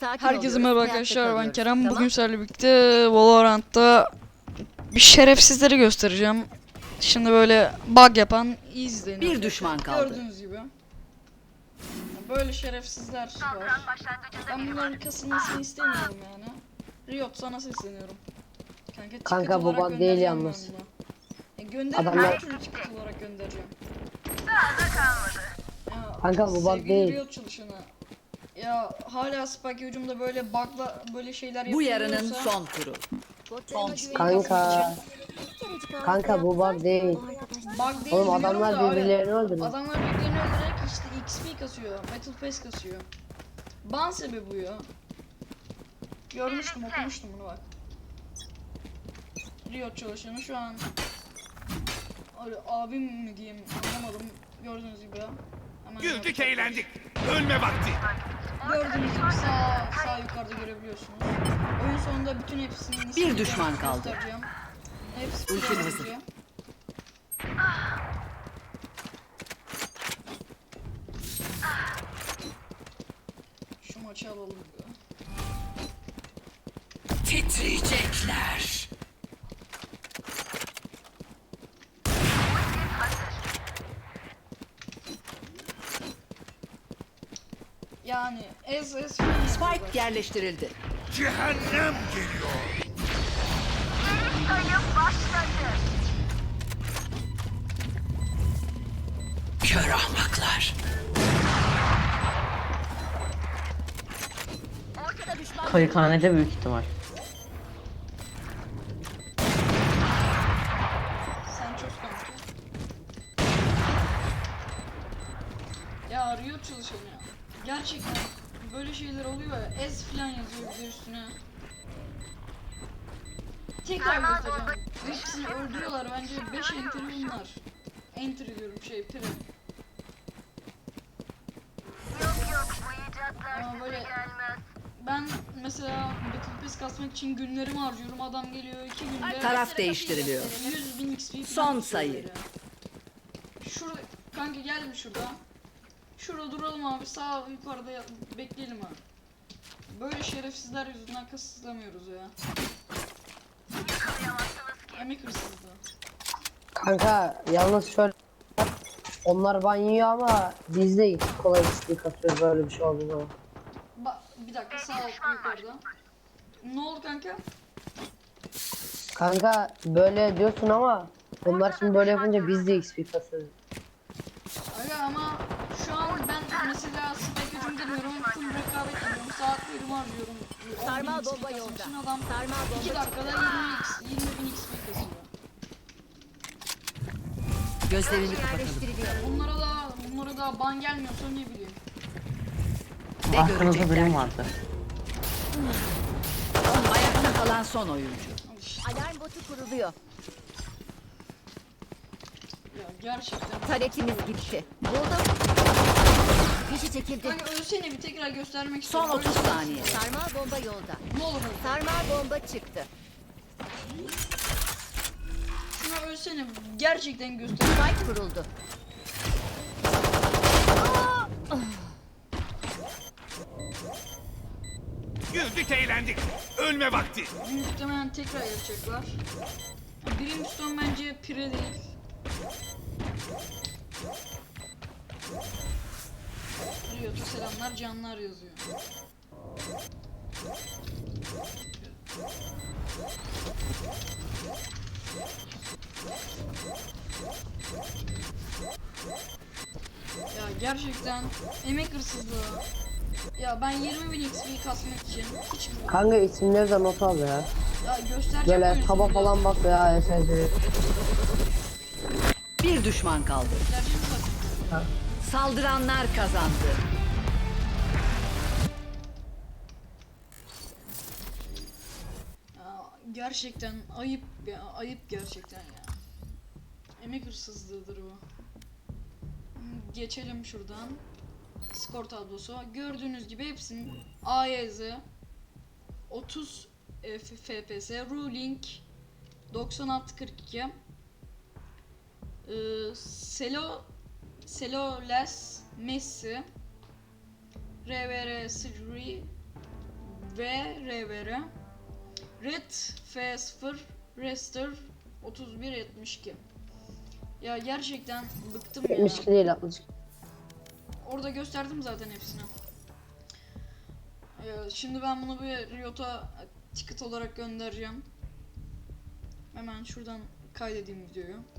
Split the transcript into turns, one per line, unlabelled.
sakin
Herkese
oluyoruz,
merhaba
hayatta
arkadaşlar, ben
kalıyoruz,
Kerem.
tamam?
Bugün sizlerle birlikte Valorant'ta bir şerefsizleri göstereceğim. Şimdi böyle bug yapan izleyin.
Bir düşman kaldı.
Gördüğünüz gibi. Böyle şerefsizler var. Ben bunların kasılmasını istemiyorum yani. Riot, sana sesleniyorum.
Kanka bu
olarak
bug değil
göndereceğim
yalnız.
ben bunu. Gönderirim,
Adamlar-
her türlü ticket olarak göndereceğim. Ya,
Kanka bu bug
sevgili
değil.
Riot çalışanı. Ya hala Spike hücumda böyle bug'la böyle şeyler
Bu
yapılıyorsa
yarının son turu.
Kanka bu bug değil.
bug değil
Oğlum
diyorum
adamlar
da abi,
birbirlerini öldürüyor.
adamlar birbirlerini öldürerek işte XP kasıyor, Battle Pass kasıyor. Ban sebebi bu ya. Görmüştüm, okumuştum bunu bak. Riot çalışanı şu an öyle abim mi diyeyim anlamadım, gördüğünüz gibi ya. Hemen
Güldük eğlendik. Ölme vakti.
gördüğünüz gibi sağ yukarıda görebiliyorsunuz. Oyun sonunda bütün hepsini
Bir düşman kaldı.
göstereceğim. Hepsi
Ultim
burada
hazır.
yazıyor. Şu maçı alalım.
Titriyecekler.
Yani
Spike yerleştirildi.
Cehennem geliyor.
Kör ahmaklar.
Kayıkhanede büyük ihtimal.
Sen çok kanka. Ya Riot çalışanı ya. Gerçekten böyle şeyler oluyor ya. Ez falan yazıyor bir de üstüne. Tekrar göstereceğim. Hepsini öldürüyorlar bence. 5 entry bunlar. Entry diyorum, pire. Ama böyle ben mesela Battle Pass kasmak için günlerimi harcıyorum. Adam geliyor 2 günde.
Taraf değiştiriliyor.
100.000 XP falan
Son
tutuyor
sayı.
böyle. Şurada kanka, gel bir şurada. Şurada duralım abi, sağ yukarıda bekleyelim abi. Böyle şerefsizler yüzünden kasıtlamıyoruz ya. Emek hırsızlığı.
Kanka yalnız şöyle, onlar ban yiyor ama biz de kolay istek atıyoruz böyle bir şey olduğu zaman.
Bir dakika, sağ yukarıda. Ne oldu kanka?
Kanka böyle diyorsun ama onlar şimdi böyle yapınca biz de XP kasıyoruz.
Aga ama şu an ben mesela spike hücum demiyorum, full rekabet ediyorum, saatlerimi harcıyorum.
Sarmal
10.000 XP
bomba
kasmak
yolda.
için adam
Sarmal
2
bomba
dakikada 20.000 XP kasıyor.
Gözlerini kapatalım.
Bunlara da ban gelmiyorsa ne bileyim.
Ne
Aklınızda
görecekler?
birim vardı.
Ayakta kalan son oyuncu.
Al işte.
Alarm botu kuruluyor.
Ya gerçekten.
Taretimiz gitti. Buldum. Fişi çekildi.
Kanka ölsene, bir tekrar göstermek
Son
istiyorum.
30 saniye.
Sarmal bomba yolda.
Ne olur öl.
Sarmal bomba çıktı.
Şuna ölsene, gerçekten göster.
Spike kuruldu.
Güldük eğlendik. Ölme vakti.
Muhtemelen tekrar yapacaklar. Brimstone bence pire değil. Riot'a selamlar, canlar yazıyor. Ya gerçekten emek hırsızlığı. Ya ben 20.000 XP kasmak için hiç mi?
Kanka isimleri de not al ya.
Ya göstereceğim
Böyle
oyun
taba
sonunda.
falan bak ya SSD.
Bir düşman kaldı.
Göstereceğim bak.
Saldıranlar kazandı.
Ya gerçekten ayıp ya, ayıp gerçekten ya. Emek hırsızlığıdır bu. Geçelim şuradan. Skor tablosu. Gördüğünüz gibi hepsinin AYZ 30 FPS, Ruling 9642, Seloles Messi, RVR Sri VRVR Red F0 Rester 3172. Ya gerçekten bıktım ya.
72 değil 62.
Orada gösterdim zaten hepsini. Şimdi ben bunu bir Riot'a ticket olarak göndereceğim. Hemen şuradan kaydedeyim videoyu.